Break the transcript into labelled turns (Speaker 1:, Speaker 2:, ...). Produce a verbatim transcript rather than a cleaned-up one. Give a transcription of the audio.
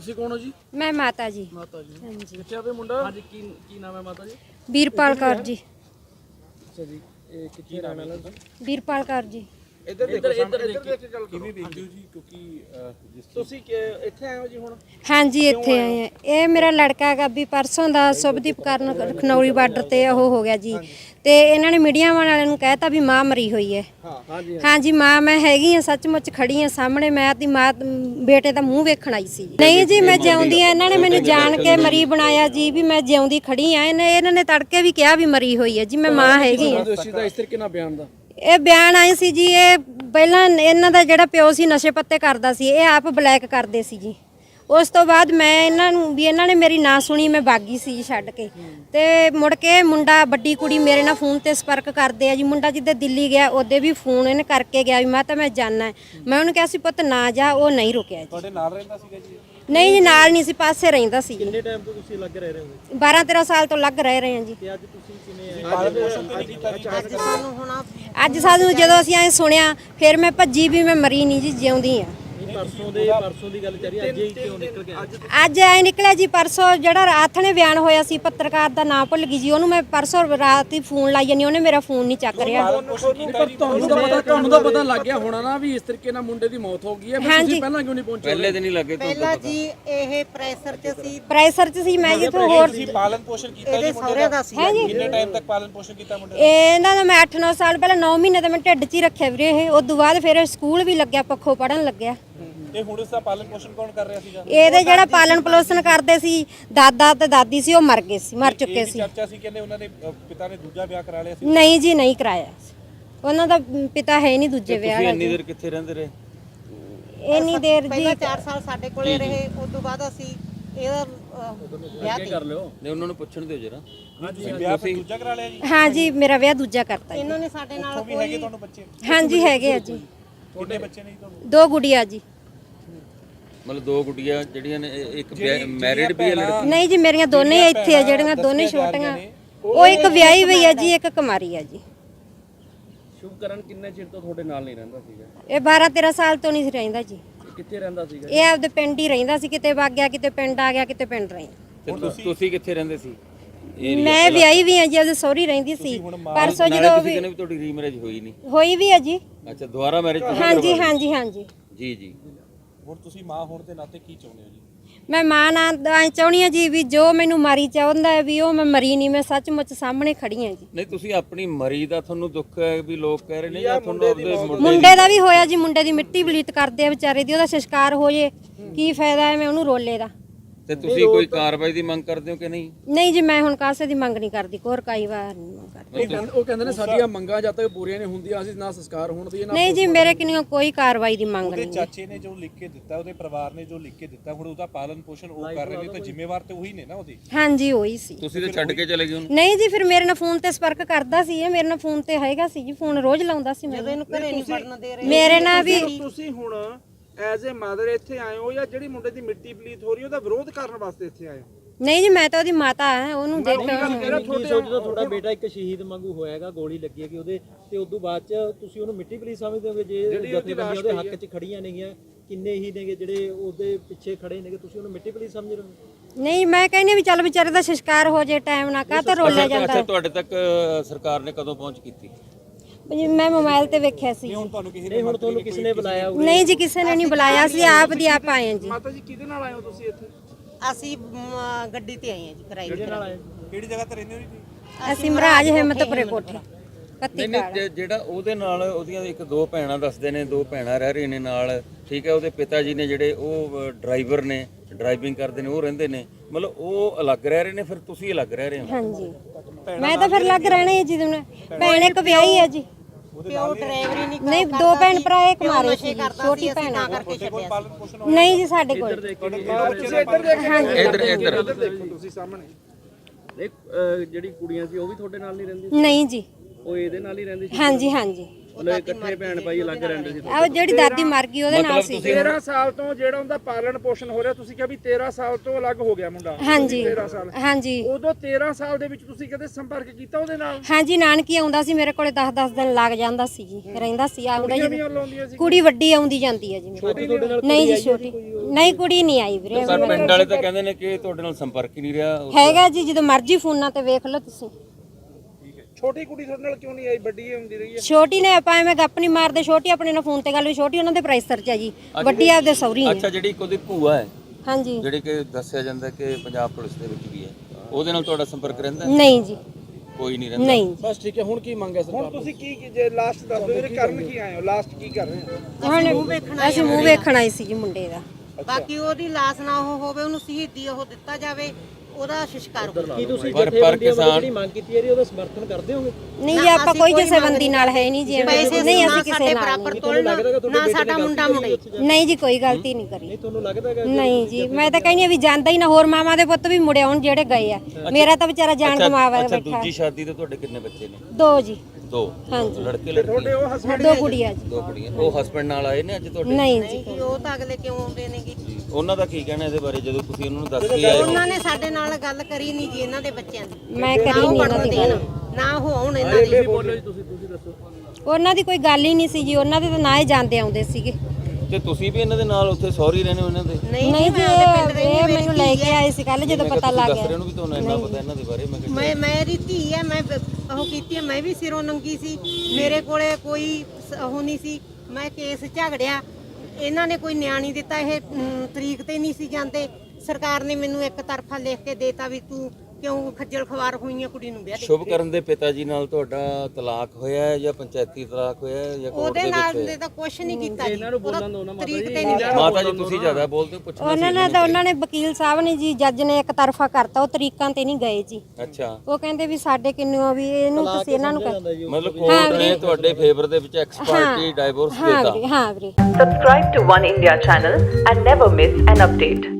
Speaker 1: ਤੁਸੀਂ ਕੌਣ ਹੋ ਜੀ?
Speaker 2: मैं माता जी।
Speaker 1: ਮਾਤਾ ਜੀ।
Speaker 2: हाँ जी।
Speaker 1: ਕਿੱਥੇ ਆਵੇ ਮੁੰਡਾ? ਹਾਂਜੀ ਕੀ ਕੀ ਨਾਮ ਹੈ ਮਾਤਾ ਜੀ?
Speaker 2: वीरपाल कौर जी।
Speaker 1: ਅੱਛਾ ਜੀ ਇਹ ਕਿੱਥੇ ਰਹਿਣ ਵਾਲਾ ਤੁਸੀਂ?
Speaker 2: वीरपाल कौर जी।
Speaker 1: ਇੱਧਰ ਦੇਖੋ ਇੱਧਰ ਦੇਖ ਕੇ ਗੱਲ ਕਿਵੇਂ ਦੇਖਦੇ ਹੋ ਜੀ ਕਿਉਂਕਿ ਜਿਸ ਤੁਸੀਂ ਇੱਥੇ ਆਏ ਹੋ ਜੀ ਹੁਣ?
Speaker 2: हाँ जी इत्थे आए हैं। ये मेरा लड़का है भी परसों ਦਾ ਸੁਭਦੀਪ ਕਰਨ ਖਨੌਰੀ ਬਾਰਡਰ ਤੇ ਉਹ ਹੋ ਗਿਆ ਜੀ ਤੇ ਇਹਨਾਂ ਨੇ ਮੀਡੀਆ ਵਾਲਿਆਂ ਨੂੰ ਕਹਿਤਾ ਵੀ ਮਾਂ ਮਰੀ ਹੋਈ ਹੈ।
Speaker 1: ਹਾਂ ਹਾਂ ਜੀ
Speaker 2: ਹਾਂ ਜੀ ਮਾਂ ਮੈਂ ਹੈਗੀ ਆ ਸੱਚਮੁੱਚ ਖੜੀ ਆ ਸਾਹਮਣੇ ਮੈਂ ਆਪਣੀ ਮਾਂ ਬੇਟੇ ਦਾ ਮੂੰਹ ਵੇਖਣ ਆਈ ਸੀ। ਨਹੀਂ ਜੀ ਮੈਂ ਜਿਉਂਦੀ ਆ ਇਹਨਾਂ ਨੇ ਮੈਨੂੰ ਜਾਣ ਕੇ ਮਰੀ ਬਣਾਇਆ ਜੀ ਵੀ ਮੈਂ ਜਿਉਂਦੀ ਖੜੀ ਆ ਇਹਨੇ ਇਹਨਾਂ ਨੇ ਤੜਕੇ ਵੀ ਕਿਹਾ ਵੀ ਮਰੀ ਹੋਈ ਹੈ ਜੀ ਮੈਂ ਮਾਂ ਹੈਗੀ ਆ।
Speaker 1: ਦੋਸ਼ੀ ਦਾ ਇਸ ਤਰੀਕੇ ਨਾਲ ਬਿਆਨ ਦਾ
Speaker 2: ਇਹ ਬਿਆਨ ਆਏ ਸੀ ਜੀ ਇਹ ਪਹਿਲਾਂ ਇਹਨਾਂ ਦਾ ਜਿਹੜਾ ਪਿਓ ਸੀ ਨਸ਼ੇ ਪੱਤੇ ਕਰਦਾ ਸੀ ਇਹ ਆਪ ਬਲੈਕ ਕਰਦੇ ਸੀ ਜੀ। ਉਸ ਤੋਂ ਬਾਅਦ ਮੈਂ ਇਹਨਾਂ ਨੂੰ ਵੀ ਇਹਨਾਂ ਨੇ ਮੇਰੀ ਨਾ ਸੁਣੀ ਮੈਂ ਬਾਗੀ ਸੀ ਜੀ ਛੱਡ ਕੇ ਤੇ ਮੁੜ ਕੇ ਮੁੰਡਾ ਵੱਡੀ ਕੁੜੀ ਮੇਰੇ ਨਾਲ ਫੋਨ ਤੇ ਸੰਪਰਕ ਕਰਦੇ ਆ ਜੀ। ਮੁੰਡਾ ਜਿੱਦੇ ਦਿੱਲੀ ਗਿਆ ਉਹਦੇ ਵੀ ਫੋਨ ਇਹਨੇ ਕਰਕੇ ਗਿਆ ਵੀ ਮੈਂ ਤਾਂ ਮੈਂ ਜਾਣਾ ਮੈਂ ਉਹਨੂੰ ਕਿਹਾ ਸੀ ਪੁੱਤ ਨਾ ਜਾ ਉਹ ਨਹੀਂ ਰੁਕਿਆ ਜੀ।
Speaker 1: ਤੁਹਾਡੇ ਨਾਲ ਰਹਿੰਦਾ ਸੀਗਾ ਜੀ?
Speaker 2: ਨਹੀਂ ਜੀ ਨਾਲ ਨਹੀਂ ਸੀ ਪਾਸੇ ਰਹਿੰਦਾ ਸੀ।
Speaker 1: ਕਿੰਨੇ ਟਾਈਮ ਤੋਂ ਤੁਸੀਂ ਲੱਗ ਰਹੇ ਹੋ?
Speaker 2: ਬਾਰਾਂ ਤੇਰਾਂ ਸਾਲ ਤੋਂ ਲੱਗ ਰਹੇ ਰਹੇ ਹਾਂ ਜੀ।
Speaker 1: ਤੇ ਅੱਜ ਤੁਸੀਂ ਕਿਵੇਂ ਪਾਲਣ ਪੋਸ਼ਣ ਤੇ ਕੀਤਾ ਜੀ? ਅੱਜ ਸਾਨੂੰ ਹੁਣ
Speaker 2: ਅੱਜ ਸਾਨੂੰ ਜਦੋਂ ਅਸੀਂ ਐ ਸੁਣਿਆ ਫਿਰ ਮੈਂ ਭੱਜੀ ਵੀ ਮੈਂ ਮਰੀ ਨਹੀਂ ਜੀ ਜਿਉਂਦੀ ਆ।
Speaker 1: ਪਰਸੋਂ ਦੇ ਪਰਸੋਂ ਦੀ ਗੱਲ ਚੱਲੀ ਅੱਜ ਹੀ ਕਿਉਂ ਨਿਕਲ ਗਿਆ?
Speaker 2: ਅੱਜ ਐ ਨਿਕਲਿਆ ਜੀ ਪਰਸੋਂ ਜਿਹੜਾ ਰਾਤ ਨੇ ਬਿਆਨ ਹੋਇਆ ਸੀ ਪੱਤਰਕਾਰ ਦਾ ਨਾਮ ਭੁੱਲ ਗਈ ਜੀ ਉਹਨੂੰ ਮੈਂ ਪਰਸੋਂ ਰਾਤ ਹੀ ਫੋਨ ਲਾਈ ਜਾਨੀ ਉਹਨੇ ਮੇਰਾ ਫੋਨ ਨਹੀਂ ਚੱਕ ਰਿਹਾ।
Speaker 1: ਤੁਹਾਨੂੰ ਤਾਂ ਪਤਾ ਤੁਹਾਨੂੰ ਤਾਂ ਪਤਾ ਲੱਗ ਗਿਆ ਹੋਣਾ ਨਾ ਵੀ ਇਸ ਤਰੀਕੇ ਨਾਲ ਮੁੰਡੇ ਦੀ ਮੌਤ ਹੋ ਗਈ ਹੈ ਤੁਸੀਂ ਪਹਿਲਾਂ ਕਿਉਂ ਨਹੀਂ ਪਹੁੰਚੇ?
Speaker 3: ਪਹਿਲੇ ਦਿਨ ਹੀ ਲੱਗੇ ਤੁਹਾਨੂੰ
Speaker 4: ਪਹਿਲਾਂ ਜੀ ਇਹ ਪ੍ਰੈਸ਼ਰ ਚ ਸੀ
Speaker 2: ਪ੍ਰੈਸ਼ਰ ਚ ਸੀ ਮੈਂ ਜਿੱਥੋਂ ਹੋਰ
Speaker 1: ਪਾਲਣ ਪੋਸ਼ਣ ਕੀਤਾ
Speaker 4: ਇਹਦੇ ਸਹੁਰੇ ਦਾ ਸੀ।
Speaker 1: ਕਿੰਨੇ ਟਾਈਮ ਤੱਕ ਪਾਲਣ ਪੋਸ਼ਣ ਕੀਤਾ ਮੁੰਡੇ ਦਾ?
Speaker 2: ਇਹਨਾਂ ਦਾ ਮੈਂ ਅੱਠ ਨੌ ਸਾਲ ਪਹਿਲਾਂ ਨੌ ਮਹੀਨੇ ਤਾਂ ਮੈਂ ਢਿੱਡ 'ਚ ਹੀ ਰੱਖਿਆ ਵੀਰੇ ਇਹ ਉਸ ਤੋਂ ਬਾਅਦ ਫਿਰ ਸਕੂਲ ਵੀ ਲੱਗਿਆ ਪੱਖੋਂ ਪੜਨ ਲੱਗਿਆ।
Speaker 1: ਤੇ ਹੁਣ ਇਸ ਦਾ ਪਾਲਣ ਪੋਸ਼ਣ ਕੌਣ ਕਰ ਰਿਹਾ ਸੀਗਾ?
Speaker 2: ਇਹਦੇ ਜਿਹੜਾ ਪਾਲਣ ਪੋਸ਼ਣ ਕਰਦੇ ਸੀ ਦਾਦਾ ਤੇ ਦਾਦੀ ਸੀ ਉਹ ਮਰ ਗਏ ਸੀ ਮਰ ਚੁੱਕੇ ਸੀ।
Speaker 1: ਚਰਚਾ ਸੀ ਕਹਿੰਦੇ ਉਹਨਾਂ ਦੇ ਪਿਤਾ ਨੇ ਦੂਜਾ ਵਿਆਹ ਕਰਾ ਲਿਆ ਸੀ।
Speaker 2: ਨਹੀਂ ਜੀ ਨਹੀਂ ਕਰਾਇਆ ਉਹਨਾਂ ਦਾ ਪਿਤਾ ਹੈ ਨਹੀਂ ਦੂਜੇ ਵਿਆਹ
Speaker 3: ਤੁਸੀਂ
Speaker 2: ਦਾ
Speaker 3: ਇੰਨੀ ਦੇਰ ਕਿੱਥੇ ਰਹਿੰਦੇ ਰਹੇ?
Speaker 2: ਇੰਨੀ ਦੇਰ ਜੀ
Speaker 4: ਪਹਿਲਾਂ ਚਾਰ ਸਾਲ ਸਾਡੇ ਕੋਲੇ ਰਹੇ ਉਸ ਤੋਂ ਬਾਅਦ ਅਸੀਂ ਇਹਦਾ ਅਹ, ਵਿਆਹ ਕੀਤਾ।
Speaker 3: ਨੇ ਉਹਨਾਂ ਨੂੰ ਪੁੱਛਣ ਦਿਓ ਜਰਾ।
Speaker 1: ਹਾਂਜੀ ਵਿਆਹ ਫਿਰ ਦੂਜਾ ਕਰਾ ਲਿਆ ਜੀ?
Speaker 2: ਹਾਂ ਜੀ ਮੇਰਾ ਵਿਆਹ ਦੂਜਾ ਕਰਤਾ ਜੀ।
Speaker 4: ਇਹਨਾਂ ਨੇ ਸਾਡੇ ਨਾਲ
Speaker 1: ਵੀ ਹੈਗੇ ਤੁਹਾਨੂੰ ਬੱਚੇ?
Speaker 2: ਹਾਂ ਜੀ ਹੈਗੇ ਆ ਜੀ
Speaker 1: ਕਿੰਨੇ ਬੱਚੇ ਨੇ ਜੀ ਤੁਹਾਨੂੰ?
Speaker 2: ਦੋ ਗੁੜੀਆਂ ਜੀ।
Speaker 3: ਮਤਲਬ ਦੋ ਗੁੱਡੀਆਂ ਜਿਹੜੀਆਂ ਨੇ ਇਹ ਇੱਕ ਮੈਰਿਡ ਵੀ ਹੈ ਲੜਕੀ?
Speaker 2: ਨਹੀਂ ਜੀ ਮੇਰੀਆਂ ਦੋਨੇ ਹੀ ਇੱਥੇ ਆ ਜਿਹੜੀਆਂ ਦੋਨੇ ਛੋਟੀਆਂ ਉਹ ਇੱਕ ਵਿਆਹੀ ਹੋਈ ਆ ਜੀ ਇੱਕ ਕੁਮਾਰੀ ਆ ਜੀ।
Speaker 1: ਸ਼ੁਭਕਰਨ ਕਿੰਨੇ ਚਿਰ ਤੋਂ ਤੁਹਾਡੇ ਨਾਲ ਨਹੀਂ ਰਹਿੰਦਾ ਸੀਗਾ?
Speaker 2: ਇਹ ਬਾਰਾਂ ਤੇਰਾਂ ਸਾਲ ਤੋਂ ਨਹੀਂ ਸੀ ਰਹਿੰਦਾ ਜੀ।
Speaker 1: ਕਿੱਥੇ ਰਹਿੰਦਾ ਸੀਗਾ?
Speaker 2: ਇਹ ਆਪਦੇ ਪਿੰਡ ਹੀ ਰਹਿੰਦਾ ਸੀ ਕਿਤੇ ਵਗ ਗਿਆ ਕਿਤੇ ਪਿੰਡ ਆ ਗਿਆ ਕਿਤੇ ਪਿੰਡ ਰਹਿ
Speaker 3: ਤੇ ਤੁਸੀਂ ਤੁਸੀਂ ਕਿੱਥੇ ਰਹਿੰਦੇ ਸੀ?
Speaker 2: ਮੈਂ ਵਿਆਹੀ ਵੀ ਆ ਜੀ ਆਪਦੇ ਸਹੁਰੀ ਰਹਿੰਦੀ ਸੀ ਪਰਸੋਂ
Speaker 3: ਨਾਲੇ
Speaker 2: ਜਦੋਂ
Speaker 3: ਤੁਸੀਂ
Speaker 2: ਵੀ
Speaker 3: ਕਹਿੰਦੇ ਵੀ ਤੁਹਾਡੀ ਰੀਮੈਰਿਜ ਹੋਈ ਨਹੀਂ?
Speaker 2: ਹੋਈ ਵੀ ਆ ਜੀ।
Speaker 3: ਅੱਛਾ ਦੁਬਾਰਾ ਮੈਰਿਜ?
Speaker 2: ਹਾਂਜੀ ਹਾਂਜੀ ਹਾਂਜੀ
Speaker 3: ਜੀ ਜੀ।
Speaker 1: ਹੁਣ ਤੁਸੀਂ ਮਾਂ ਹੋਣ ਦੇ ਨਾਤੇ ਕੀ ਚਾਹੁੰਦੇ ਹੋ ਜੀ?
Speaker 2: ਮੈਂ ਮਾਂ ਨਾਲ ਐਂ ਚਾਹੁੰਦੀ ਆ ਜੀ ਵੀ ਜੋ ਮੈਨੂੰ ਮਾਰੀ ਚਾਹੁੰਦਾ ਹੈ ਵੀ ਉਹ ਮੈਂ ਮਰੀ ਨਹੀਂ ਮੈਂ ਸੱਚਮੁੱਚ ਸਾਹਮਣੇ ਖੜੀ ਆ ਜੀ।
Speaker 3: ਨਹੀਂ ਤੁਸੀਂ ਆਪਣੀ ਮਰੀ ਦਾ ਤੁਹਾਨੂੰ ਦੁੱਖ ਹੈ ਵੀ ਲੋਕ ਕਹਿ ਰਹੇ ਨੇ ਜਾਂ ਤੁਹਾਨੂੰ ਆਪਦੇ ਮੁੰਡੇ
Speaker 2: ਮੁੰਡੇ ਦਾ ਵੀ ਹੋਇਆ ਜੀ ਮੁੰਡੇ ਦੀ ਮਿੱਟੀ ਬਲੀਤ ਕਰਦੇ ਆ ਵਿਚਾਰੇ ਦੀ ਉਹਦਾ ਸੰਸਕਾਰ ਹੋ ਜੇ ਕੀ ਫਾਇਦਾ ਹੈ ਮੈਂ ਉਹਨੂੰ ਰੋਲੇ ਦਾ।
Speaker 3: ਤੇ ਤੁਸੀਂ ਕੋਈ ਕਾਰਵਾਈ ਦੀ ਮੰਗ ਕਰਦੇ ਹੋ ਕਿ ਨਹੀਂ?
Speaker 2: ਨਹੀਂ ਜੀ ਮੈਂ ਹੁਣ ਕਾਸੇ ਦੀ ਮੰਗ ਨਹੀਂ ਕਰਦੀ ਕੋਰ ਕਾਈ ਵਾਰ ਨਹੀਂ ਮੰਗ ਕਰਦੀ।
Speaker 1: ਉਹ ਕਹਿੰਦੇ ਨੇ ਸਾਡੀਆਂ ਮੰਗਾਂ ਜਦ ਤੱਕ ਪੂਰੀਆਂ ਨਹੀਂ ਹੁੰਦੀਆਂ ਅਸੀਂ ਨਾ ਸੰਸਕਾਰ ਹੋਣ ਦੀ ਨਾ।
Speaker 2: ਨਹੀਂ ਜੀ ਮੇਰੇ ਕਿੰਨੀਆਂ ਕੋਈ ਕਾਰਵਾਈ ਦੀ ਮੰਗ ਨਹੀਂ।
Speaker 5: ਚਾਚੇ ਨੇ ਜੋ ਲਿਖ ਕੇ ਦਿੱਤਾ ਉਹਦੇ ਪਰਿਵਾਰ ਨੇ ਜੋ ਲਿਖ ਕੇ ਦਿੱਤਾ ਹੁਣ ਉਹਦਾ ਪਾਲਣ ਪੋਸ਼ਣ ਉਹ ਕਰ ਰਹੇ ਨੇ ਤਾਂ ਜ਼ਿੰਮੇਵਾਰ ਤੇ ਉਹੀ ਨੇ ਨਾ ਉਹਦੀ।
Speaker 2: ਹਾਂਜੀ ਉਹੀ ਸੀ।
Speaker 3: ਤੁਸੀਂ ਤਾਂ ਛੱਡ ਕੇ ਚਲੇ ਗਏ ਉਹਨੂੰ?
Speaker 2: ਨਹੀਂ ਜੀ ਫਿਰ ਮੇਰੇ ਨਾਲ ਫੋਨ ਤੇ ਸੰਪਰਕ ਕਰਦਾ ਸੀ ਇਹ ਮੇਰੇ ਨਾਲ ਫੋਨ ਤੇ ਹੈਗਾ ਸੀ ਜੀ ਫੋਨ ਰੋਜ਼ ਲਾਉਂਦਾ ਸੀ
Speaker 4: ਜਦੋਂ
Speaker 2: ਮੈਨੂੰ
Speaker 4: ਇਹਨੂੰ ਘਰੇ ਨਹੀਂ ਵੜਨ ਦੇ ਰਹੇ
Speaker 2: ਮੇਰੇ ਨਾਲ ਵੀ।
Speaker 6: ਤੁਸੀਂ ਹੁਣ ਐਜ਼ ਅ ਮਦਰ ਇੱਥੇ ਆਏ ਹੋ ਜਾਂ ਜਿਹੜੀ ਮੁੰਡੇ ਦੀ ਮਿੱਟੀ ਪਲੀਤ ਹੋ ਰਹੀ ਉਹਦਾ ਵਿਰੋਧ ਕਰਨ ਵਾਸਤੇ ਇੱਥੇ ਆਏ ਹੋ?
Speaker 2: ਨਹੀਂ ਜੀ ਮੈਂ ਤਾਂ ਉਹਦੀ ਮਾਤਾ ਹਾਂ ਉਹਨੂੰ ਦੇਖ
Speaker 1: ਕੀ ਸੋਚਦਾ ਤੁਹਾਡਾ ਬੇਟਾ ਇੱਕ ਸ਼ਹੀਦ ਵਾਂਗੂ ਹੋਇਆਗਾ ਗੋਲੀ ਲੱਗੀ ਹੈਗੀ ਉਹਦੇ ਤੇ ਉਸ ਤੋਂ ਬਾਅਦ ਚ ਤੁਸੀਂ ਉਹਨੂੰ ਮਿੱਟੀ ਪਲੀਤ ਸਮਝਦੇ ਹੋਗੇ ਜੇ ਜਥੇਬੰਦੀਆਂ ਉਹਦੇ ਹੱਕ 'ਚ ਖੜੀਆਂ ਨੇਗੀਆਂ ਕਿੰਨੇ ਹੀ ਨੇਗੇ ਜਿਹੜੇ ਉਹਦੇ ਪਿੱਛੇ ਖੜੇ ਨੇਗੇ ਤੁਸੀਂ ਉਹਨੂੰ ਮਿੱਟੀ ਪਲੀਤ ਸਮਝ ਰਹੇ ਹੋ?
Speaker 2: ਨਹੀਂ ਮੈਂ ਕਹਿੰਦੀ ਵੀ ਚੱਲ ਵਿਚਾਰੇ ਦਾ ਸੰਸਕਾਰ ਹੋ ਜੇ ਟਾਈਮ ਨਾ ਕਾ ਤਾਂ ਰੋਲਿਆ ਜਾਂਦਾ।
Speaker 3: ਅੱਛਾ ਤੁਹਾਡੇ ਤੱਕ ਸਰਕਾਰ ਨੇ ਕਦੋਂ ਪਹੁੰਚ ਕੀਤੀ?
Speaker 2: ਜੀ ਮੈਂ ਮੋਬਾਈਲ ਤੇ ਵੇਖਿਆ ਸੀ।
Speaker 1: ਨਹੀਂ ਹੁਣ ਤੁਹਾਨੂੰ ਕਿਸ ਨੇ ਬੁਲਾਇਆ?
Speaker 2: ਨਹੀਂ ਜੀ ਕਿਸੇ ਨੇ ਨਹੀਂ ਬੁਲਾਇਆ ਸੀ ਆਪ ਦੀ ਆਪ ਆਏ ਹਾਂ ਜੀ।
Speaker 6: ਮਾਤਾ ਜੀ ਕਿਹਦੇ ਨਾਲ ਆਏ ਹੋ ਤੁਸੀਂ ਇੱਥੇ?
Speaker 4: ਅਸੀਂ ਮ, ਗੱਡੀ ਤੇ ਆਏ ਹਾਂ ਜੀ ਕਿਰਾਏ ਤੇ।
Speaker 5: ਕਿਹੜੀ ਜਗ੍ਹਾ ਤੇ ਰਹਿੰਦੇ ਹੋ ਜੀ?
Speaker 2: ਅਸੀਂ ਮਹਾਰਾਜ ਹਿੰਮਤਪੁਰੇ ਕੋਠੇ ਕੱਤੀ
Speaker 3: ਨਹੀਂ ਨਹੀਂ ਜੇ- ਜਿਹੜਾ ਉਹਦੇ ਨਾਲ ਉਹਦੀਆਂ ਇੱਕ ਦੋ ਭੈਣਾਂ ਦੱਸਦੇ ਨੇ ਦੋ ਭੈਣਾਂ ਰਹਿ ਰਹੀਆਂ ਨੇ ਨਾਲ ਠੀਕ ਹੈ ਉਹਦੇ ਪਿਤਾ ਜੀ ਨੇ ਜਿਹੜੇ ਉਹ ਡਰਾਈਵਰ ਨੇ ਡਰਾਈਵਿੰਗ ਕਰਦੇ ਨੇ ਉਹ ਰਹਿੰਦੇ ਨੇ ਮਤਲਬ ਉਹ ਅਲੱਗ ਰਹਿ ਰਹੇ ਨੇ ਫਿਰ ਤੁਸੀਂ ਅਲੱਗ ਰਹਿ ਰਹੇ ਹੋ?
Speaker 2: ਹਾਂਜੀ ਮੈਂ ਤਾਂ ਫਿਰ ਲੱਗ ਰਹਿਣਾ ਹੈ ਜੀ ਦੋਨੇ ਭੈਣ ਇੱਕ ਵਿਆਹੀ ਹੈ ਜੀ।
Speaker 4: ਪਿਓ ਡਰਾਈਵਰੀ ਨਹੀਂ
Speaker 2: ਨਹੀਂ ਦੋ ਭੈਣ ਭਰਾ ਇੱਕ ਮਾਰੇ ਸੀ ਛੋਟੀ ਭੈਣ
Speaker 4: ਤਾਂ ਕਰਕੇ ਛੱਡਿਆ ਸੀ।
Speaker 2: ਨਹੀਂ ਜੀ ਸਾਡੇ ਕੋਲ
Speaker 6: ਤੁਸੀਂ ਇੱਧਰ ਦੇਖੋ
Speaker 3: ਇੱਧਰ ਇੱਧਰ
Speaker 6: ਦੇਖੋ ਤੁਸੀਂ ਸਾਹਮਣੇ
Speaker 1: ਇੱਕ ਜਿਹੜੀ ਕੁੜੀਆਂ ਸੀ ਉਹ ਵੀ ਤੁਹਾਡੇ ਨਾਲ ਨਹੀਂ ਰਹਿੰਦੀ?
Speaker 2: ਨਹੀਂ ਜੀ
Speaker 1: ਉਹ ਇਹਦੇ ਨਾਲ ਹੀ ਰਹਿੰਦੀ ਸੀ?
Speaker 2: ਹਾਂਜੀ ਹਾਂਜੀ
Speaker 1: ਮਤਲਬ ਇਕੱਠੇ ਭੈਣ ਭਾਈ ਅਲੱਗ ਰਹਿੰਦੇ ਸੀ?
Speaker 2: ਆਹ ਜਿਹੜੀ ਦਾਦੀ ਮਰ ਗਈ ਉਹਦੇ ਨਾਲ ਸੀ।
Speaker 6: ਤੇਰਾਂ ਸਾਲ ਤੋਂ ਜਿਹੜਾ ਉਹਦਾ ਪਾਲਣ ਪੋਸ਼ਣ ਹੋ ਰਿਹਾ ਤੁਸੀਂ ਕਿਹਾ ਵੀ ਤੇਰਾਂ ਸਾਲ ਤੋਂ ਅਲੱਗ ਹੋ ਗਿਆ ਮੁੰਡਾ।
Speaker 2: ਹਾਂਜੀ
Speaker 6: ਤੇਰਾਂ ਸਾਲ
Speaker 2: ਹਾਂਜੀ
Speaker 6: ਉਦੋਂ ਤੇਰਾਂ ਸਾਲ ਦੇ ਵਿੱਚ ਤੁਸੀਂ ਕਦੇ ਸੰਪਰਕ ਕੀਤਾ ਉਹਦੇ ਨਾਲ?
Speaker 2: ਹਾਂਜੀ ਨਾਨਕੀ ਆਉਂਦਾ ਸੀ ਮੇਰੇ ਕੋਲੇ ਦਸ ਦਸ ਦਿਨ ਲੱਗ ਜਾਂਦਾ ਸੀ ਜੀ ਰਹਿੰਦਾ ਸੀ ਆਉਂਦਾ ਜੀ।
Speaker 6: ਲਾਉਂਦੀਆਂ ਸੀ?
Speaker 2: ਕੁੜੀ ਵੱਡੀ ਆਉਂਦੀ ਜਾਂਦੀ ਹੈ ਜੀ ਮੇਰੇ ਕੋਲ। ਨਹੀਂ ਜੀ ਛੋਟੀ ਨਹੀਂ ਕੁੜੀ ਨਹੀਂ ਆਈ ਵੀਰੇ
Speaker 3: ਪਰ ਪਿੰਡ ਵਾਲੇ ਤਾਂ ਕਹਿੰਦੇ ਨੇ ਕਿ ਤੁਹਾਡੇ ਨਾਲ ਸੰਪਰਕ ਹੀ ਨਹੀਂ ਰਿਹਾ ਉਸ-
Speaker 2: ਹੈਗਾ ਜੀ, ਜਦੋਂ ਮਰਜ਼ੀ ਫੋਨਾਂ ਤੇ ਵੇਖ ਲਓ ਤੁਸੀਂ।
Speaker 6: ਛੋਟੀ ਕੁੜੀ ਤੁਹਾਡੇ ਨਾਲ ਕਿਉਂ ਨਹੀਂ ਆਈ? ਵੱਡੀ ਇਹ ਹੁੰਦੀ ਰਹੀ ਹੈ।
Speaker 2: ਛੋਟੀ ਨੇ ਆਪਾਂ ਐਵੇਂ ਗੱਪ ਨਹੀਂ ਮਾਰਦੇ, ਛੋਟੀ ਆਪਣੇ ਨਾਲ ਫੋਨ ਤੇ ਗੱਲ ਵੀ, ਛੋਟੀ ਉਹਨਾਂ ਦੇ ਪ੍ਰਾਈਸਰ ਚ ਆ ਜੀ, ਵੱਡੀ ਆਪਦੇ ਸਹੁਰੀ
Speaker 3: ਅੱਛਾ,
Speaker 2: ਹੈ।
Speaker 3: ਜਿਹੜੀ ਇੱਕ ਉਹਦੀ ਭੂਆ ਹੈ
Speaker 2: ਹਾਂਜੀ
Speaker 3: ਜਿਹੜੀ ਕਿ ਦੱਸਿਆ ਜਾਂਦਾ ਕਿ ਪੰਜਾਬ ਪੁਲਿਸ ਦੇ ਵਿੱਚ ਵੀ ਹੈ, ਉਹਦੇ ਨਾਲ ਤੁਹਾਡਾ ਸੰਪਰਕ ਰਹਿੰਦਾ?
Speaker 2: ਨਹੀਂ ਜੀ,
Speaker 3: ਕੋਈ ਨਹੀਂ ਰਹਿੰਦਾ।
Speaker 2: ਨਹੀਂ
Speaker 1: ਬਸ ਠੀਕ ਹੈ। ਹੁਣ ਕੀ ਮੰਗ ਹੈ
Speaker 6: ਹੁਣ ਤੁਸੀਂ ਕੀ ਕੀ- ਜੇ ਲਾਸਟ ਦੱਸ ਦਿਓ ਵੀਰੇ, ਕਰਨ ਕੀ ਆਏ ਹੋ? ਲਾਸਟ ਕੀ ਕਰ ਰਹੇ ਹੋ?
Speaker 2: ਹੁਣ ਅਸੀਂ ਮੂੰਹ ਵੇਖਣ ਆਏ ਸੀ ਜੀ ਮੁੰਡੇ ਦਾ।
Speaker 4: ਬਾਕੀ ਉਹਦੀ ਲਾਸ਼ ਨਾ ਉਹ ਹੋਵੇ, ਉਹਨੂੰ ਸ਼ਹੀਦੀ ਉਹ ਦਿੱਤਾ ਜਾਵੇ, ਉਹਦਾ ਸੰਸਕਾਰ ਹੋਵੇ।
Speaker 1: ਕੀ ਤੁਸੀਂ
Speaker 3: ਪਰ- ਪਰ
Speaker 1: ਜਥੇਬੰਦੀਆਂ ਵੱਲੋਂ
Speaker 3: ਕਿਸਾਨ-
Speaker 1: ਜਿਹੜੀ ਮੰਗ ਕੀਤੀ ਹੈ ਜੀ, ਉਹਦਾ ਸਮਰਥਨ ਕਰਦੇ ਹੋਗੇ?
Speaker 2: ਨਹੀਂ ਜੀ, ਆਪਾਂ ਕੋਈ ਜਥੇਬੰਦੀ ਨਾਲ ਹੈ ਨਹੀਂ ਜੀ,
Speaker 4: ਪੈਸੇ
Speaker 2: ਨਹੀਂ
Speaker 4: ਨਾ
Speaker 2: ਅਸੀਂ ਕਿਸੇ
Speaker 4: ਸਾਡੇ
Speaker 2: ਨਾਲ
Speaker 4: ਬਰਾਬਰ
Speaker 2: ਨਹੀਂ।
Speaker 4: ਤੋਲਣਾ, ਨਾ ਸਾਡਾ ਮੁੰਡਾ ਮੁੰਡੇ।
Speaker 2: ਨਹੀਂ ਜੀ, ਕੋਈ ਗਲਤੀ ਨਹੀਂ ਕਰੀ।
Speaker 1: ਨਹੀਂ ਤੁਹਾਨੂੰ ਲੱਗਦਾ ਹੈਗਾ
Speaker 2: ਨਹੀਂ ਜੀ, ਮੈਂ ਤਾਂ ਕਹਿੰਦੀ ਆ ਵੀ ਜਾਂਦਾ ਹੀ ਨਾ, ਹੋਰ ਮਾਮਾ ਦੇ ਪੁੱਤ ਵੀ ਮੁੜੇ ਆਉਣ ਜਿਹੜੇ ਗਏ ਆ। ਮੇਰਾ ਤਾਂ ਵਿਚਾਰਾ ਜਾਨ
Speaker 3: ਅੱਛਾ
Speaker 2: ਗਵਾਵਾ
Speaker 3: ਅੱਛਾ,
Speaker 2: ਬੈਠਾ।
Speaker 3: ਦੂਜੀ ਸ਼ਾਦੀ ਤੇ ਤੁਹਾਡੇ ਕਿੰਨੇ ਬੱਚੇ ਨੇ?
Speaker 2: ਦੋ ਜੀ,
Speaker 3: ਦੋ।
Speaker 2: ਹਾਂਜੀ।
Speaker 3: ਲੜਕੇ ਲੜਕੀ?
Speaker 6: ਉਹ ਹਸਬੰਡ
Speaker 2: ਦੋ ਕੁੜੀਆਂ ਜੀ।
Speaker 3: ਦੋ ਕੁੜੀਆਂ। ਉਹ ਹਸਬੰਡ ਨਾਲ ਆਏ ਨੇ ਅੱਜ ਤੁਹਾਡੇ?
Speaker 2: ਨਹੀਂ ਜੀ,
Speaker 4: ਨਹੀਂ ਜੀ, ਉਹ ਤਾਂ ਅਗਲੇ ਕਿਉਂ ਆਉਂਦੇ ਨੇਗੇ?
Speaker 3: ਉਹਨਾਂ ਦਾ ਕੀ ਕਹਿਣਾ ਇਹਦੇ ਬਾਰੇ ਜਦੋਂ ਤੁਸੀਂ ਉਹਨਾਂ ਨੂੰ ਦੱਸ ਕੇ ਆਏ ਹੋ?
Speaker 4: ਉਹਨਾਂ ਨੇ ਸਾਡੇ ਨਾਲ ਗੱਲ ਕਰੀ ਨਹੀਂ ਜੀ ਇਹਨਾਂ ਦੇ ਬੱਚਿਆਂ ਦੀ।
Speaker 2: ਮੈਂ
Speaker 4: ਨਾ
Speaker 2: ਕਰੀ
Speaker 4: ਉਹ
Speaker 2: ਨਹੀਂ ਉਹਨਾਂ
Speaker 4: ਪੜਨ
Speaker 2: ਦੀ
Speaker 4: ਦੇਣ,
Speaker 2: ਗੱਲ।
Speaker 4: ਨਾ ਉਹ ਆਉਣ ਇਹਨਾਂ ਦੀ।
Speaker 2: ਉਹਨਾਂ ਦੀ ਕੋਈ ਗੱਲ ਹੀ ਨਹੀਂ ਸੀ ਜੀ, ਉਹਨਾਂ ਦੇ ਤਾਂ ਨਾ ਹੀ ਜਾਂਦੇ ਆਉਂਦੇ ਸੀਗੇ।
Speaker 3: ਤੇ ਤੁਸੀਂ ਵੀ ਇਹਨਾਂ ਦੇ ਨਾਲ ਉੱਥੇ ਸੌਰੀ ਰਹਿੰਦੇ ਹੋ ਇਹਨਾਂ ਦੇ?
Speaker 4: ਨਹੀਂ
Speaker 2: ਨਹੀਂ
Speaker 4: ਜੀ,
Speaker 2: ਜੀ,
Speaker 4: ਮੈਂ ਆਪਦੇ ਪਿੰਡ
Speaker 2: ਇਹ
Speaker 4: ਰਹੀ,
Speaker 2: ਮੈਨੂੰ ਲੈ ਕੇ ਆਏ ਸੀ ਕੱਲ ਜਦੋਂ
Speaker 3: ਮੈਂ
Speaker 2: ਪਤਾ
Speaker 3: ਕਿਹਾ
Speaker 2: ਲੱਗ
Speaker 3: ਤੁਸੀਂ ਦੱਸ ਰਹੇ
Speaker 2: ਗਿਆ।
Speaker 3: ਹੋ ਵੀ ਤੁਹਾਨੂੰ ਇੰਨਾ ਪਤਾ ਇਹਨਾਂ ਦੇ ਬਾਰੇ। ਮੈਂ ਕਿਹਾ
Speaker 4: ਮੈਂ ਮੇਰੀ ਧੀ ਹੈ, ਮੈਂ ਬ- ਉਹ ਕੀਤੀ ਹੈ, ਮੈਂ ਵੀ ਸਿਰੋਂ ਨੰਗੀ ਸੀ, ਮੇਰੇ ਕੋਲੇ ਕੋਈ ਸ- ਉਹ ਨਹੀਂ ਸੀ। ਮੈਂ ਕੇਸ ਝਗੜਿਆ, ਇਹਨਾਂ ਨੇ ਕੋਈ ਨਿਆਂ ਨਹੀਂ ਦਿੱਤਾ। ਇਹ ਅਮ, ਤਰੀਕ ਤੇ ਨਹੀਂ ਸੀ ਜਾਂਦੇ। ਸਰਕਾਰ ਨੇ ਮੈਨੂੰ ਇੱਕ ਤਰਫਾ ਲਿਖ ਕੇ ਦੇਤਾ ਵੀ ਤੂੰ ਕਿਉਂ ਖੱਜਲ ਖਵਾਰ ਹੋਈਆਂ ਕੁੜੀ ਨੂੰ ਵਿਆਹ ਦੇ।
Speaker 3: ਸ਼ੁਭ ਕਰਨ ਦੇ ਪਿਤਾ ਜੀ ਨਾਲ ਤੁਹਾਡਾ ਤਲਾਕ ਹੋਇਆ ਹੈ ਜਾਂ ਪੰਚਾਇਤੀ ਤਲਾਕ ਹੋਇਆ ਹੈ ਜਾਂ ਕੋਰਟ
Speaker 4: ਉਹਦੇ
Speaker 3: ਦੇ
Speaker 4: ਨਾਲ
Speaker 3: ਵਿੱਚ?
Speaker 4: ਦੇ ਤਾਂ ਕੁਝ ਨਹੀਂ ਕੀਤਾ ਜੀ, ਉਹਦਾ ਤਰੀਕ ਤੇ ਨਹੀਂ ਜਾਣਾ।
Speaker 3: ਮਾਤਾ ਜੀ ਤੁਸੀਂ ਜ਼ਿਆਦਾ ਬੋਲਦੇ ਹੋ, ਪੁੱਛਣਾ
Speaker 2: ਉਹਨਾਂ ਨੇ ਤਾਂ ਉਹਨਾਂ ਨੇ ਵਕੀਲ ਸਾਹਿਬ ਨੇ ਜੀ, ਜੱਜ ਨੇ ਇੱਕ ਤਰਫਾ ਕਰਤਾ, ਉਹ ਤਰੀਕਾਂ ਤੇ ਨਹੀਂ ਗਏ ਜੀ।
Speaker 3: ਅੱਛਾ,
Speaker 2: ਉਹ ਕਹਿੰਦੇ ਵੀ ਸਾਡੇ ਕਿੰਨੂ ਵੀ ਇਹਨੂੰ ਤੁਸੀਂ ਇਹਨਾਂ ਨੂੰ ਕਹਿ-
Speaker 3: ਮਤਲਬ ਕੋਰਟ ਨੇ ਤੁਹਾਡੇ ਫੇਵਰ ਦੇ ਵਿੱਚ ਐਕਸਪਰਟੀ ਡਾਈਵੋਰਸ
Speaker 2: ਹਾਂ
Speaker 3: ਦਿੱਤਾ।
Speaker 2: ਵੀਰੇ, ਹਾਂ ਵੀਰੇ।
Speaker 7: Subscribe to One India channel and never miss an update.